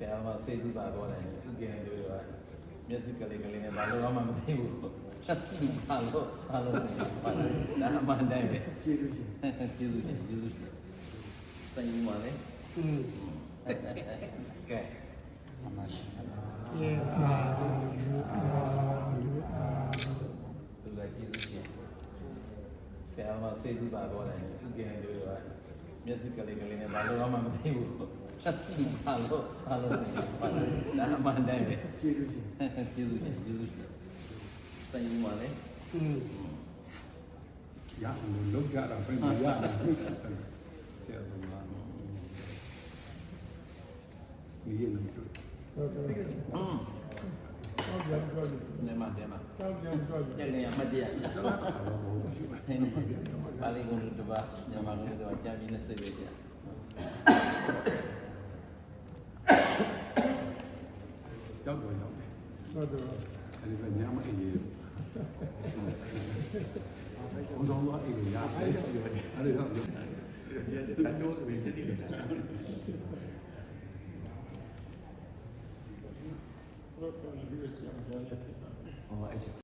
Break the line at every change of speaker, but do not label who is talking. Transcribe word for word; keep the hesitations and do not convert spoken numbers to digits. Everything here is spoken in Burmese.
ရာမဆေးကုသတော့တယ်ဥကင်းတို့ကမျက်စိကလေးကလေးနဲ့ဘာလို့မှမသိဘူးဘာလို့ဘာလို့စိတ်ပါလဲဒါမှန်တယ်ပဲကျေးဇူးရှင်ကျေးဇူးရှင်ကျေးဇူးရှင်စိတ်မှာလေอืมကဲအမရှိယေအာလူအာလူအာသူကကျေးဇူးရှင်ဆရာမဆေးကုသတော့တယ်ဥကင်းတို့ကမျက်စိကလေးကလေးနဲ့ဘာလို့မှမသိဘူးဘာလို့ဘာလို့စိတ်ပါလဲဒါမှန်တယ်ပဲကျေးဇူးရှင်ကျေးဇူးရှင်ကျေးဇူးရှင်စိတ်မှာလေอืมရအောင်လုပ်ကြတာပဲမရဘူးဆရာကဒီရနေလို့อืมဟုတ်တယ်ဟုတ်တယ်နေမှာတယ်မှာဟုတ်တယ်ဟုတ်တယ်ညနေအမတရားပါဠိကုန်းတပါညမှာကုန်းတပါကြာပြီးနှစ်စိတ်ပဲကြာရောက်တော့ရောက်တယ်ဟုတ်တယ်အဲဒီကညမအေးရေဘုံတော်တော့အေးရရတယ်အဲဒီတော့တန်တိုးဆိုပြီးသိတယ်ဟုတ်တယ်ဒီလိုကြာကြာ